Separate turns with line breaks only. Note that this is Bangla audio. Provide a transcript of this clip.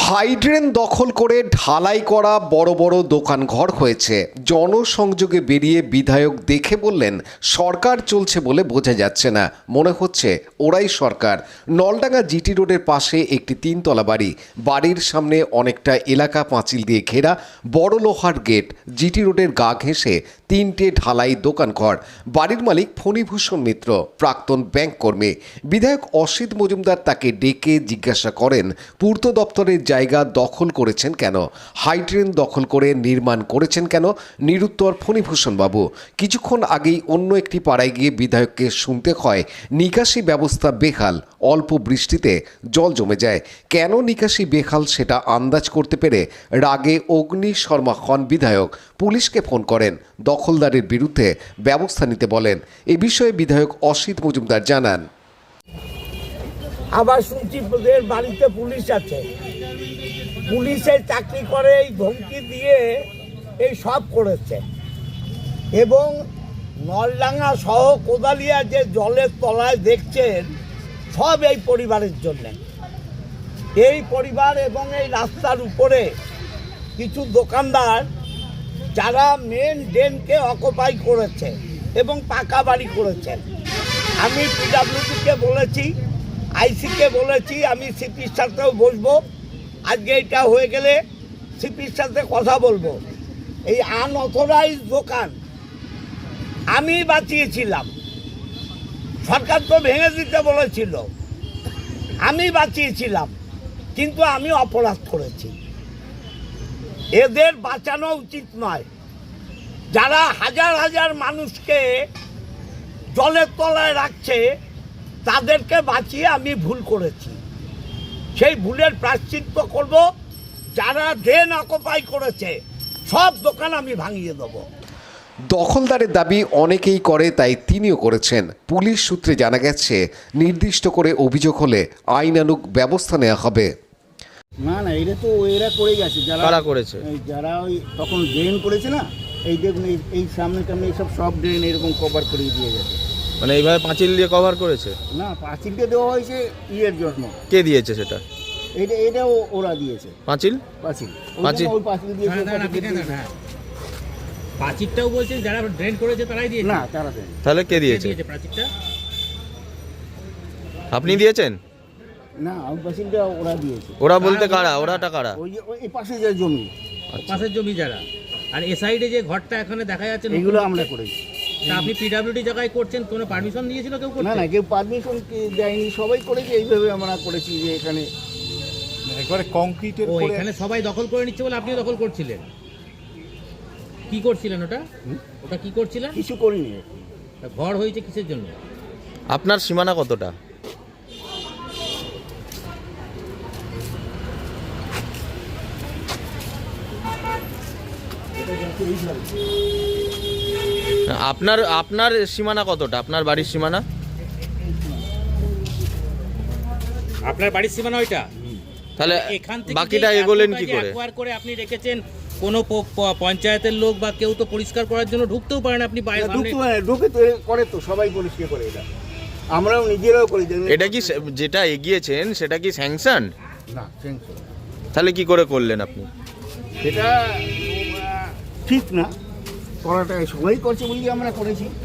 হাইড্রেন দখল করে ঢালাই করা বড় বড় দোকানঘর হয়েছে। জনসংযোগে বেরিয়ে বিধায়ক দেখে বললেন, সরকার চলছে বলে বোঝা যাচ্ছে না, মনে হচ্ছে ওরাই সরকার। নলডাঙ্গা জিটি রোডের পাশে একটি তিনতলা বাড়ি, বাড়ির সামনে অনেকটা এলাকা পাঁচিল দিয়ে ঘেরা, বড় লোহার গেট, জিটি রোডের গা ঘেঁষে তিনটে ঢালাই দোকানঘর। বাড়ির মালিক ফণীভূষণ মিত্র, প্রাক্তন ব্যাংক কর্মী। বিধায়ক অসিত মজুমদার তাকে ডেকে জিজ্ঞাসা করেন, পূর্ত দপ্তরের জায়গা দখল করেছেন কেন, হাইড্রেন দখল করে নির্মাণ করেছেন কেন? নিরুত্তর ফণীভূষণ বাবু। কিছুক্ষণ আগেই অন্য একটি পাড়ায় গিয়ে বিধায়ককে শুনতে হয় নিকাশি ব্যবস্থা বেহাল, অল্প বৃষ্টিতে জল জমে যায়। কেন নিকাশি বেহাল সেটা আন্দাজ করতে পেরে রাগে অগ্নি শর্মা হন বিধায়ক। পুলিশকে ফোন করেন, দখলদারের বিরুদ্ধে ব্যবস্থা নিতে বলেন। এ বিষয়ে বিধায়ক অসিত মজুমদার জানান,
আবার শুনছি ওদের বাড়িতে পুলিশ আছে, পুলিশের চাকরি করে এই ধমকি দিয়ে এই সব করেছে। এবং নলডাঙ্গা সহ কোদালিয়া যে জলের তলায় দেখছেন, সব এই পরিবারের জন্যে। এই পরিবার এবং এই রাস্তার উপরে কিছু দোকানদার যারা মেন ড্রেনকে অকুপাই করেছে এবং পাকা বাড়ি করেছেন। আমি পিডাব্লিউডিকে বলেছি, আইসিকে বলেছি, আমি সিপির সাথেও বসবো। আজকে এটা হয়ে গেলে সিপির সাথে কথা বলবো। এই আনঅথরাইজ দোকান আমি বাঁচিয়েছিলাম, সরকার তো ভেঙে দিতে বলেছিল, আমি বাঁচিয়েছিলাম, কিন্তু আমি অপরাধ করেছি। এদের বাঁচানো উচিত নয়। যারা হাজার হাজার মানুষকে জলের তলায় রাখছে, তাদেরকে বাঁচিয়ে আমি ভুল করেছি। সেই ভুলের প্রায়শ্চিত্ত করব। যারা ড্রেন অকুপাই করেছে সব দোকান আমি ভাঙিয়ে দেবো।
দখলদারের দাবি অনেকেই করে, তাই তিনিও করেছেন। পুলিশ সূত্রে জানা গেছে, নির্দিষ্ট করে অভিযোগ হলে আইনানুগ ব্যবস্থা নেওয়া হবে।
না না, এটা তো এরা করে গেছে, যারা করেছে, যারা ওই তখন ড্রেন করেছে না, এই দেখুন এই সামনে টামনে এইসব সব ড্রেন এরকম কভার করে দিয়ে গেছে।
মানে এইভাবে পাঁচিল দিয়ে কভার করেছে?
না, পাঁচিলটা দেওয়া হয়েছে ইয়ের জন্য।
কে দিয়েছে সেটা?
এটাও ওরা দিয়েছে।
পাঁচিল
পাঁচিল
পাঁচিল
ওই পাঁচিল দিয়েছে।
প্রাচীরটাও বলছেন যারা ড্রেন করেছে তারাই দিয়েছে।
না, তারা দেয়।
তাহলে কে দিয়েছে
প্রাচীরটা?
আপনি দিয়েছেন?
না, ওই পাঁচিলটা ওরা দিয়েছে।
ওরা বলতে কারা? ওরাটা কারা?
ওই পাশে যে জমি,
পাশের জমি যারা। আর এ সাইডে যে ঘরটা এখানে দেখা যাচ্ছে,
এগুলো আমরা করেছি।
তা আপনি পিডব্লিউডি জায়গায় করছেন, কোনো পারমিশন দিয়েছিল কেউ করতে?
না না, কেউ পারমিশন দেয়নি, সবাই করেছে। এইভাবে আমরা করেছি যে এখানে
একবারে কংক্রিটের
ও এখানে সবাই দখল করে নিচ্ছে বলে আপনিও দখল করছিলেন? কি করছিলেন ওটা? ওটা কি করছিলেন?
কিছু করিনি।
তা ঘর হয়েছে কিসের জন্য?
আপনার সীমানা কতটা? আপনার আপনার সীমানা কতটা? আপনার বাড়ির সীমানা?
আপনার বাড়ির সীমানা ওইটা?
তাহলে
এখান থেকে
বাকিটা এগোলেন কি করে?
একবার করে আপনি রেখেছেন, কোনো পঞ্চায়েতের লোক বা কেউ তো পরিষ্কার করার জন্য ঢুকতেও পারেন। আপনি বাইরে
ঢুকে তো করে, তো সবাই পরিষ্কার করে। এটা আমরাও নিজেরাও করি।
এটা কি যেটা এগিয়েছেন সেটা কি স্যাংশন?
না, স্যাংশন।
তাহলে কি করে করলেন আপনি?
এটা ঠিক না, করাটা সবাই করছে বলি আমরা করেছি।